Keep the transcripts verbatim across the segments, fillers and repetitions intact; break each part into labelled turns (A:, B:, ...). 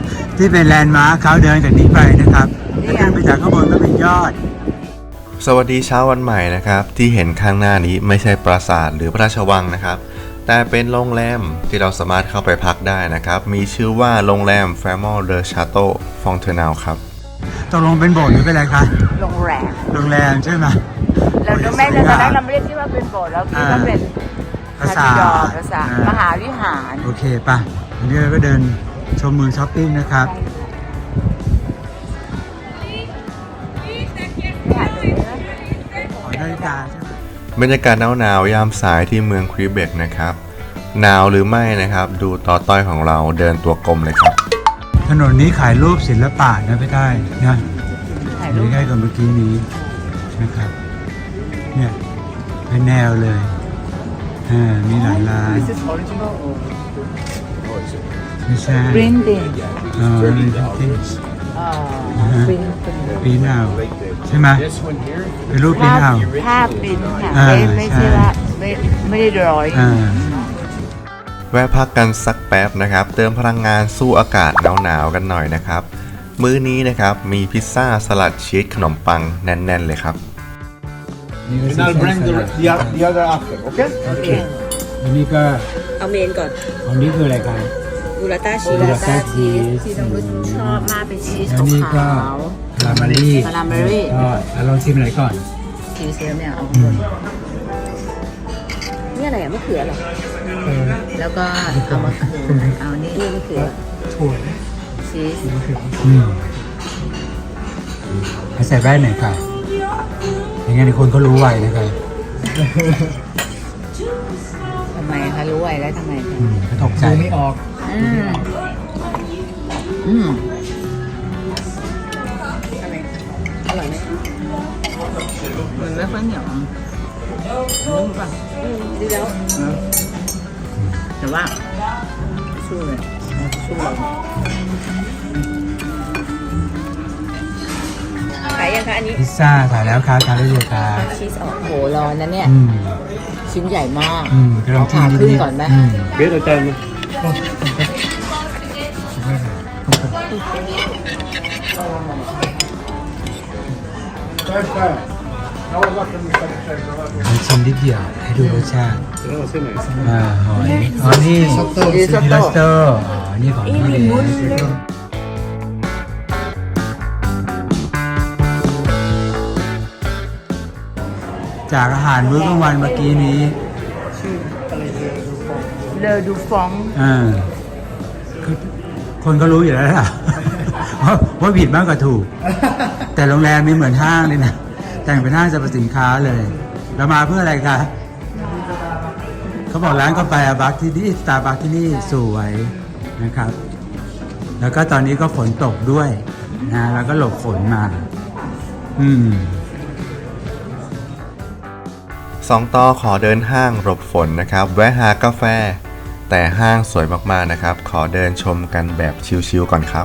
A: ที่เป็นแลนด์มาร์คเขาเดินจากนี้ไปนะครับถ้าขึ้นไปจากข้างบนก็เป็นยอด
B: สวัสดีเช้าวันใหม่นะครับที่เห็นข้างหน้านี้ไม่ใช่ปราสาทหรือพระราชวังนะครับแต่เป็นโรงแรมที่เราสามารถเข้าไปพักได้นะครับมีชื่อว่าโรงแรม Famille de Château Fontenelle ครับ
A: ตกลงเป็นโบสถ์หรือเป็นอะไรคะ
C: โรงแรม
A: โรงแรมใช่ไหม
C: เราไม่ตอนแรกเราไม่ได้คิดว่าเป็นโบสถ์เราคิดว่าเป็น
A: ภาษา
C: ภาษามหาวิหาร
A: โอเคป่ะวันนี้เราก็เดินชมเมืองช้อปปิ้งนะครับนาฬิกาใช่ไหม
B: บรรยากาศหนาวๆยามสายที่เมืองควิเบกนะครับหนาวหรือไม่นะครับดูต่อต้อยของเราเดินตัวกลมเลยครับ
A: ถนนนี้ขายรูปศิลปะนะพี่ได้นะถ่ายรูปใกล้กับเมื่อกี้นี้นะครับเนี่ยเป็นแนวเลยอ่ามีหลายร้านไม่ใช่
C: printing
A: อ๋อ printing ปีนเอาใช่ไหมเป็นรูปปีนเอา
C: ภาพปริ้นค่ะไม่ไม่ใช่ว่าไม่ไม่ได้ร้อย
B: แวะพักกันสักแป๊บนะครับเติมพลังงานสู้อากาศหนาวๆกันหน่อยนะครับมื้อนี้นะครับมีพิซซ่าสลัดชีสขนมปังแน่นๆเลยครับ
A: อันนี้ก็
C: เอาเมนก่อน
A: อันนี้คืออะไรกัน
C: บูราต้าชีสบูราต้าชีสที่น้องรุ่ชอบมากเป็นชีสขาว
A: คาราเมลี่
C: คาราเมลี่
A: ก็ลองชิมอะไรก่อน
C: ชีสเนี่ยเอานี่อะไรอ่ะมะเขือหรอแล้วก็เอามะเขือเอานี่นี่มะเขือ
A: ถั่ว
C: ชีส
A: อืมใส่แว่นหน่อยค่ะอย่างงั้นคนเขารู้ไวนะครับ
C: ทำไมคะรู้ไวแล้วทำไม
A: เขาตกใจไม่ออก
C: อืมอืมอะไรอร่อยไหมมันไม่ค่อยเหนียวนุ่มป่ะดีแล้วแต่ว่าสู้เลยสู้เราขายยังคะอันนี้
A: พิซซ่าขายแล้วครับทานได้เลยครับ
C: ชีสออกโหร้อนนะเนี่ยชิ้นใหญ่มาก
A: ลอง
C: ผ่าครึ่งก่อนไหม
A: เบสอาจารย์ชิมนิดเดียวให้ดูรสชาติอ่าหอยอ๋อนี่ริซอตโต้อ๋อนี่ของทะเลจากอาหารมื้อกลางวันเมื่อกี้นี้
C: เลอดูฟอง
A: อ่าคนก็รู้อยู่แล้วล่ะว่าผิดมากกว่าถูกแต่โรงแรมมีเหมือนห้างเลยนะแต่งเป็นห้างสรรพสินค้าเลยเรามาเพื่ออะไรคะเขาบอกร้านกาแฟบัคที่นี่สตาร์บัคที่นี่สวยนะครับแล้วก็ตอนนี้ก็ฝนตกด้วยนะแล้วก็หลบฝนมาอืม
B: สองต่อขอเดินห้างหลบฝนนะครับแวะหากาแฟแต่ห้างสวยมากๆนะครับขอเดินชมกันแบบชิลๆก่อนครับ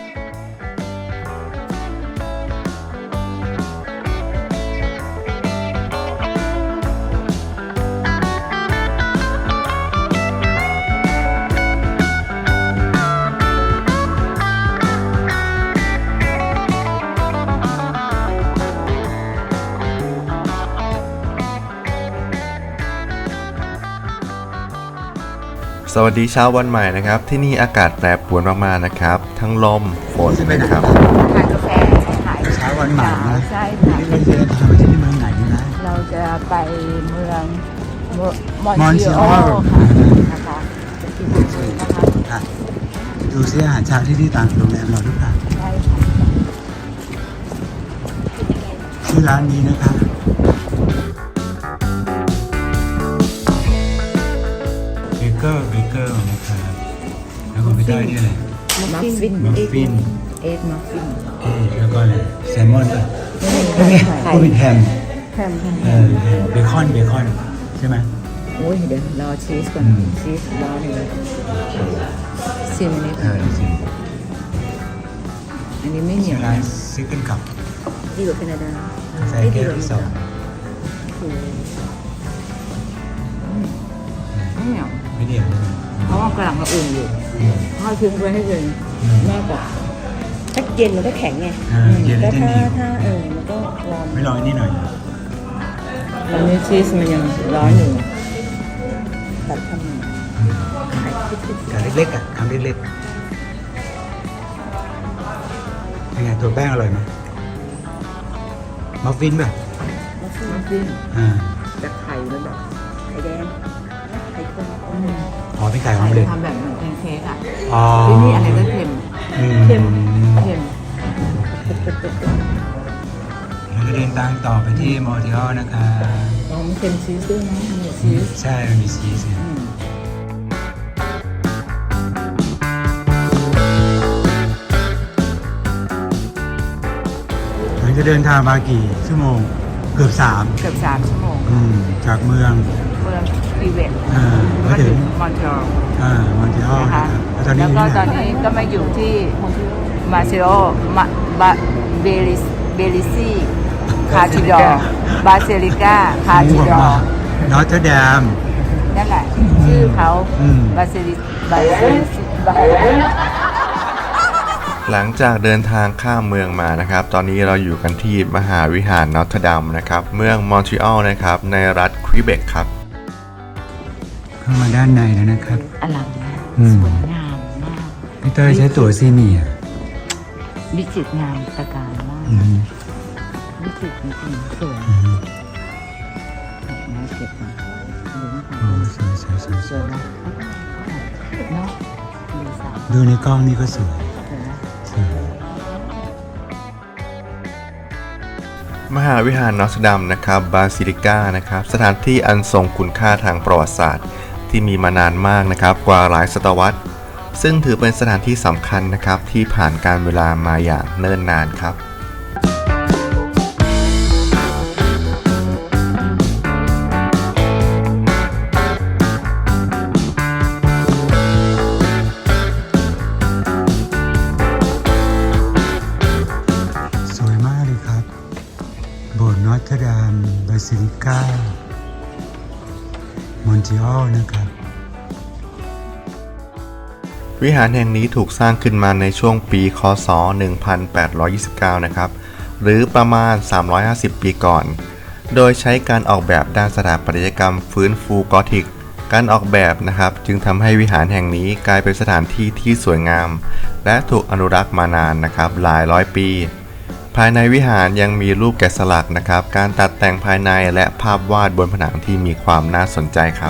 B: สวัสดีเช้าวันใหม่นะครับที่นี่อากาศแปรปรวนมากๆนะครับทั้งลมฝนนะครับ
C: ขายกาแฟขาย
A: เช้าวันใหม่นะ
C: ใช่ค่ะ
A: เราจะทำที่เมืองไหนนะ
C: เราจะไปเมืองมอนติโอนะคะจะกินนะคะ
A: ดูซิอาหารเช้าที่ที่ต่างโรงแรมเราหรือเปล่า
C: ใช่
A: ชื่อร้านนี้นะครับเบเกอร์เบเกอร์นะครับแล้วก็ไม่ได้นี่อะไร
C: มัฟฟิน
A: มัฟฟิน
C: เอ็ดมัฟฟิน
A: เอแล้วก็อะไรแซลมอนป่ะก็เป็นแฮม
C: แฮม
A: เออเบคอนเบคอนใช่ไหม
C: โอ้ยเดี๋ยวรอชีสก่อนชีสรอหนึ่งเลยชิมอันนี้
A: เออชิม
C: อันนี้ไม่เหนียว
A: ร้านซิกเกิลคัพ
C: ดีกว่าแคนาดา
A: ใส่แก้วที่สอง
C: ไม่เหนียว
A: เบไม่เหนียวใช่ไหม
C: เพราะว่ากำลังกระอุ่นอยู่
A: อืม
C: ทอดทิ้งไว้ให้เย็น
A: อืม
C: มากกว่า
D: ถ้าเย็นมันก็แข็งไง
A: อ่าเย็นแล้วจะ
D: ถ้า
A: เหนียว
D: ถ้าเออมันก็วอร์ม
A: ไม่ลองอันนี้หน่อย
C: ตอนนี้ชีสมันยังร้อนอยู่
D: ตัดทำไม
A: กาเล็กๆอ่ะคำเล็กๆเป็นไงตัวแป้งอร่อยไหมมัฟฟินป่ะ
D: มัฟฟิน
C: น้ำจิ้ม
A: อ่า
C: แต่ไข่มันแบบ
D: ไข่แดงไข่ข้น
C: อืม
A: อ๋อเป็นไข่ออมเล็ต
C: ทำแบบเหมือนแพนเค้กอ่ะ
A: อ๋อ
C: ที่นี่อะไรก็เค็ม
A: อืม
C: เค็มเค็ม
A: เราจะเดินทางต่อไปที่มอริออลนะคะ
C: อ๋อมันเค็มชีสด้วยนะมีชีส
A: ใช่มันมีชีสเนี่ย
C: อืม
A: มันจะเดินทางมากี่ชั่วโมง เกือบสาม
C: เกือบสามชั่วโมง
A: อืมจากเมือง
C: เมืองฟีเวต
A: อ่า
C: ก็
A: มา
C: ถึ
A: ถึ
C: ง
A: ง
C: มอนทรีออล
A: อ่ามอนติออล
C: นะ
A: นะคะ คะแล้วตอนนี้
C: แล้ว
A: อยู่
C: ก็
A: ที่ไหน
C: ตอนนี้ก็มาอยู่ที่มาซิโอมาบาเบลิสเบลิซีคาทิดอร์บาเซลิก้าคาทิดอร์
A: นอตเทอร์แดม
C: นั่นแหละ ชื่อเขา
A: อืม
C: บาเซลิบาเซลิบา
B: หลังจากเดินทางข้ามเมืองมานะครับ ตอนนี้เราอยู่กันที่มหาวิหารนอตเทอร์ดัมนะครับ เมืองมอนทรีออลนะครับ ในรัฐควิเบกครับ
A: เข้ามาด้านในแล้วนะครับ
C: อลังมาก
A: อืม
C: สวยงามมาก
A: พี่เต้ยใช้ตั๋วซีเนียร์
C: วิจิตรงามตระการมาก
A: อืม
C: วิจิตรจริงๆสวย
A: อืม
C: น่าเก็บนะดูนะ
A: โอ้สวยสวยสวย
C: สวยนะเนาะดูสาว
A: ดูในกล้องนี่ก็สวย
C: สวยนะ
A: สวย
B: มหาวิหารนอตเทอร์ดัมนะครับบาซิลิก้านะครับสถานที่อันทรงคุณค่าทางประวัติศาสตร์ที่มีมานานมากนะครับกว่าหลายศตวรรษซึ่งถือเป็นสถานที่สำคัญนะครับที่ผ่านการเวลามาอย่างเนิ่นนานครับ
A: สวยมากเลยครับ โบสถ์นอตเทอร์ดามบาซิลิก้ามอนติออลนะครับ
B: วิหารแห่งนี้ถูกสร้างขึ้นมาในช่วงปีค.ศ. หนึ่งพันแปดร้อยยี่สิบเก้า นะครับ หรือประมาณ สามร้อยห้าสิบ ปีก่อน โดยใช้การออกแบบด้านสถาปัตยกรรมฟื้นฟูกอธิก การออกแบบนะครับจึงทำให้วิหารแห่งนี้กลายเป็นสถานที่ที่สวยงาม และถูกอนุรักษ์มานานนะครับหลายร้อยปี ภายในวิหารยังมีรูปแกะสลักนะครับ การตัดแต่งภายในและภาพวาดบนผนังที่มีความน่าสนใจครับ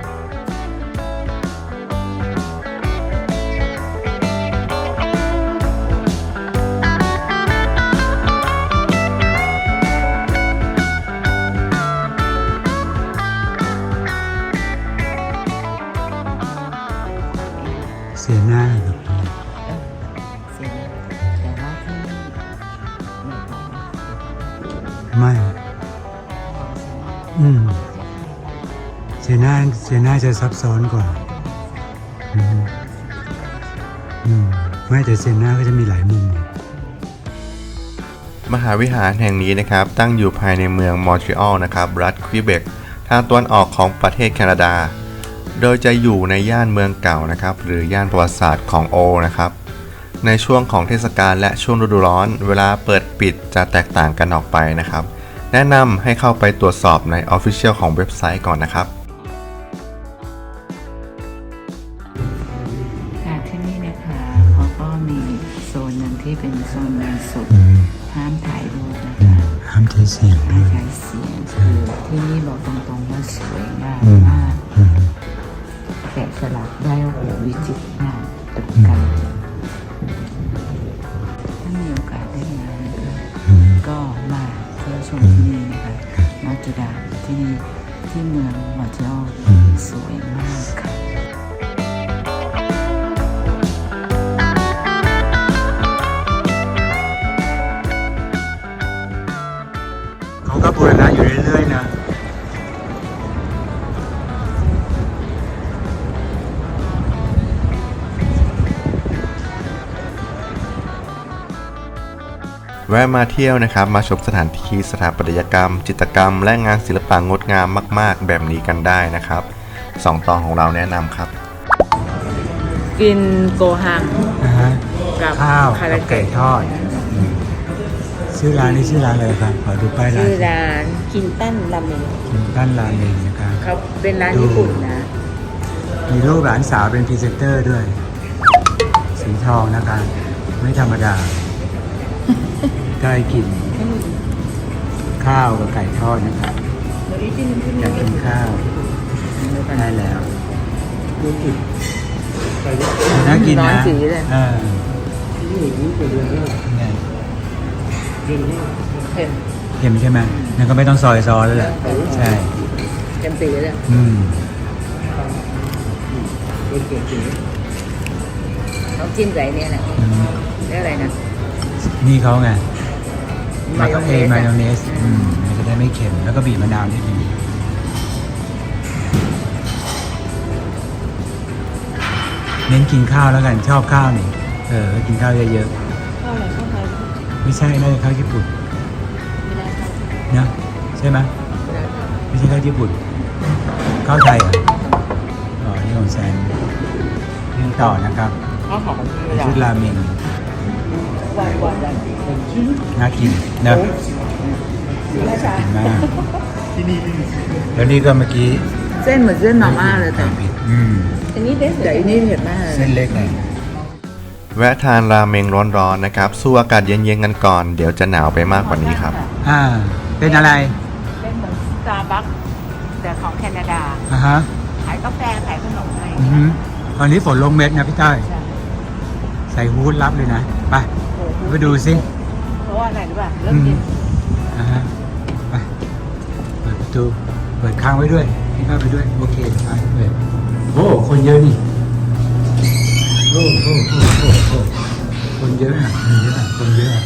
A: เสียหน้าครับ
C: เสียนะแต่ว่าที่นี่ไม่ต้อง
A: ไม่ อืมเสียหน้าเสียหน้าจะซับซ้อนกว่า อืมอืมไม่แต่เสียหน้าก็จะมีหลายมุม
B: มหาวิหารแห่งนี้นะครับตั้งอยู่ภายในเมืองมอนทรีออลนะครับรัฐควิเบกทางตะวันออกของประเทศแคนาดา โดยจะอยู่ในย่านเมืองเก่านะครับหรือย่านประวัติศาสตร์ของโอนะครับในช่วงของเทศกาลและช่วงฤดูร้อนเวลาเปิดปิดจะแตกต่างกันออกไปนะครับแนะนำให้เข้าไปตรวจสอบใน Official ของเว็บไซต์ก่อนนะครับ
C: ค่ะที่นี่นะคะเขาก็มีโซนหนึ่งที่เป็นโซนงานศพ
A: อืม
C: ห้ามถ่ายรูปนะ
A: อื
C: คะ
A: มห้ามใช้เสียง
C: ไม่
A: ด้วย
C: ใช้เสียงคือที่นี่บอกตรงๆว่าสวยงาม
A: อืม
C: มาก
A: อืม
C: แกะสลักได้โอ้โหวิจิตรงามตระการถ้ามีโอกาสได้มานะคะ
A: อืม
C: ก็มาเที่ยวชมที่นี่นะคะนอตเทอร์ดามที่นี่ที่เมืองมอนทรีออล
A: อืม
C: สวยมากค่ะ
A: เขาก็บูรณะอยู่เรื่อยๆนะ
B: แวะมาเที่ยวนะครับมาชมสถานที่สถาปัตยกรรม จิตรกรรม และงานศิลปะงดงามมากๆ แบบนี้กันได้นะครับสองต่อของเราแนะนำครับ
C: กินโกฮัง
A: นะฮะ
C: กับ
A: ข้าว
C: คา
A: กั
C: รา
A: บ
C: เกะ
A: ไก่ทอดอืมชื่อร้านนี้ชื่อร้านอะไรครับขอดูป้ายร้า
C: ชื่
A: น
C: อร้าน
D: คินตันราเมง
A: คิมตันราเมงนะครับ
C: เขาเป็นร้านญี่ปุ่นนะ
A: มีรูปหลานสาวเป็นพรีเซนเตอร์ด้วย สีทองนะคะไม่ธรรมดา ได้กิน ข้าวกับไก่ทอดนะครับอยากกินข้าวได้แล้วน่ากิน
C: ร้อ
A: นะ
C: นสีเลย
A: เออไง
C: เค็ม
A: เค็มใช่ไหมนั่นก็ไม่ต้องซอยซอสแล้วแหละใช่
C: เค็มสีเลย
A: อืม
C: เขาจิ้มกับไอ้เนี่ยแหละ
A: อืม
C: เรียกอะไรนะ
A: นี่เขาไงมาก็เอมาย
C: อะ
A: องเนสอืมมันจะได้ไม่เค็มแล้วก็บีบมะนาวนิดนึงเน้นกินข้าวแล้วกันชอบข้าวนี่เออกินข้าวเยอะ
D: ข้าวอะไรข้าวไทย
A: ๆไม่ใช่น่าจะข้าวญี่ปุ่น
D: ไม่ได้ข้าว
A: นะใช่ไหมไม่ใช่ข้าวญี่ปุ่นข้าวไทยเหรออ๋อนี่ของแซนนี่ต่อนะครับ
C: ข้าวหอม
A: ชุดราเมง
D: หวานหวานหวาน
A: น่ากินนะ
D: ราชา
A: กินมากแล้วนี่ก็เมื่อกี้
C: เส้นเหมือนเส้นหน่อม่าเลยแต่
A: ผิดอืม
D: อันนี้เบส
C: แต่อันนี้เผ็ดมากเลย
A: เส้นเล็กไง
B: แวะทานราเมงร้อนๆนะครับสู้อากาศเย็นๆกันก่อน เดี๋ยวจะหนาวไปมากกว่านี้ครับ
A: อ่า เป็นอะไร
C: เป็นเหมือนสตาร์บัคแต่ของแคนาดา
A: อ่าฮะ
C: ขายกาแฟขายขนมอะไรอย่าง
A: อือ
C: เงี้ย
A: ฮึตอนนี้ฝนลงเม็ดนะพี่ต้อยใส่ฮูดรับเลยนะ ไปไปดูสิ
C: เพราะว่าอะไรรู้ป่ะเริ่ม
A: อืม
C: เย็น
A: อ่าฮะ ไป เปิดประตู เปิดค้างไว้ด้วยให้เข้าไปด้วย โอเคไปเปิดโอ้ คนเยอะนี่ โอ้โอ้โอ้โอ้โอ้คนเยอะอ่ะคนเยอะอ่ะคนเยอะอ่ะ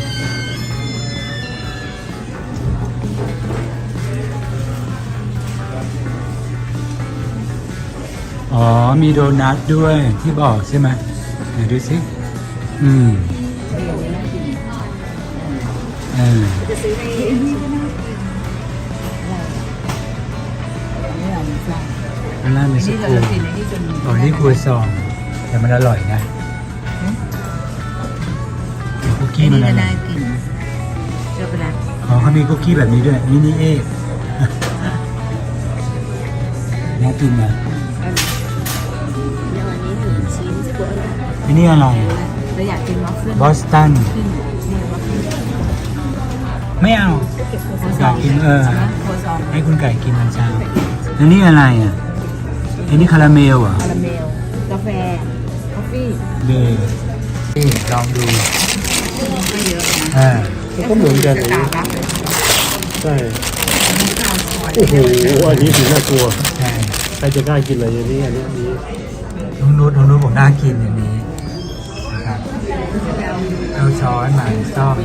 A: อ๋อ มีโดนัทด้วยที่บอกใช่ไหมไหนดูสิ อืมเออ
D: จะซื้อในนี่ก็น่ากิน
C: นี่เราไม่ทราบ
A: ข้างล่างมีส
C: นี่เรา
A: กู
C: จะกินในที่จน
A: อ๋อนี่ครัวซอง แต่มันอร่อยนะคุกกี้
C: นี่
A: มันอ
C: ก็
A: ร่อ
C: น่าย กินเชื่อไปแล้ว
A: อ๋อเขามีคุกกี้แบบนี้ด้วยมินิเอ น่ากินนะ
D: อย่างอันนี้หนึ่งชิ้นสกวย
A: อันนี้อะไร
C: เราอยากกินวัฟเฟิล
A: บอสตัน
C: ขึ้นนี่วัฟเฟิล
A: ไม่เอา
C: โคซ
A: อยา
C: อก ง
A: กินเออ
C: โคซอง
A: ให้คุณไก่กินตอนเช้าอันนี้อะไรอ่ะอันนี้คาราเมลเหรอ่ะ
C: คาราเมลกาแฟกาแฟ
A: เบย์นี่ลองดู
C: ก็เยอะนะ
A: อ่า
E: ก็เหมือนกัน
C: สตาร์บัค
E: ใช่โอ้โหอันนี้ถึงน่ากลัว
A: ใช่
E: ใครจะกล้ากินอะไรอย่างนี้อันนี้อันนี้
A: น้องนุชน้องนุชบอกน่ากินอย่างนี้นะครับเอาช้อนมาซ่อม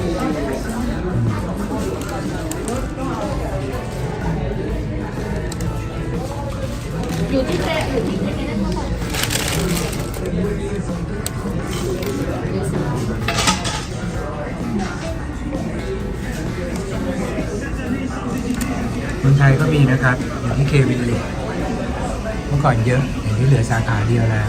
A: เมืองไทยก็มีนะครับ อยู่ที่เควิลเลจเมื่อก่อนเยอะเดี๋ยวนี้เหลือสาขาเดียวแล้ว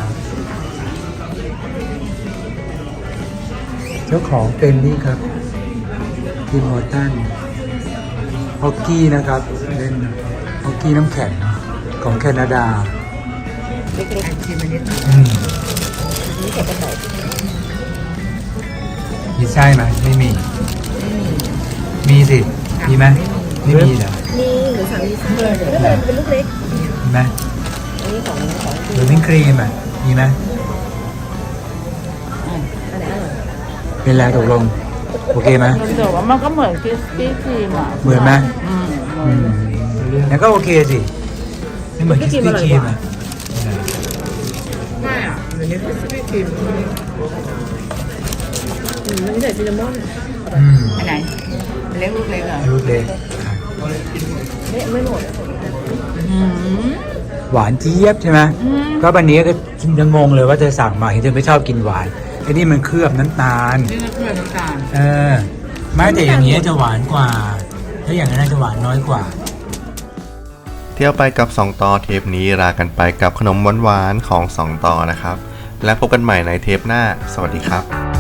A: เจ้าของเป็นนี่ครับทีมโฮตันฮอกกี้นะครับ เล่นฮอกกี้น้ำแข็งของแคนาดา
C: เล็กๆชิมอันนี้
A: อืมมีไส้ไหมไม่มี มีสิ มีไหมไม่มีเหรอ
D: นี่หรือสามีซื้อเลยเป็นลูกเล็ก
A: มีไหม
D: อันนี้ของของ
A: หรือวิงครีมอ่ะ มีไหม
D: อันไหนอร่อย
A: เป็นแล้วตกลง โอเคไหม
C: มันแต่ว่ามันก็เหมือนคริสปี้ครีมอ่ะ
A: เหมือนไหม
C: อืม
A: อืมแล้วก็โอเคสิไม่เหมือนคิสปี้ครีมอ่ะ
C: ไม่อ่ะเดี๋ยวนี้คริสปี้ครีม
D: อืมมันนี่ใส่ซินนามอน
A: อืม
C: อันไหนเล็กลูกเล็กเหรอ
A: ลูกเล็กครับ
D: ไม่ไม่หมด
C: อืม
A: หวานเจี๊ยบใช่ไหม
C: อืม
A: ก็วันนี้ก็ยังงงเลยว่าเธอสั่งมาเห็นเธอไม่ชอบกินหวานไอ้นี่มันเคลือบน้ำตาล
C: นี่ก็เครื่องน้ำตาล
A: เออไม่แต่อย่างนี้จะหวานกว่า ถ้าอย่างนั้นจะหวานน้อยกว่า
B: เที่ยวไปกับสองต่อเทปนี้ลากันไปกับขนมหวานๆของสองต่อนะครับและพบกันใหม่ในเทปหน้าสวัสดีครับ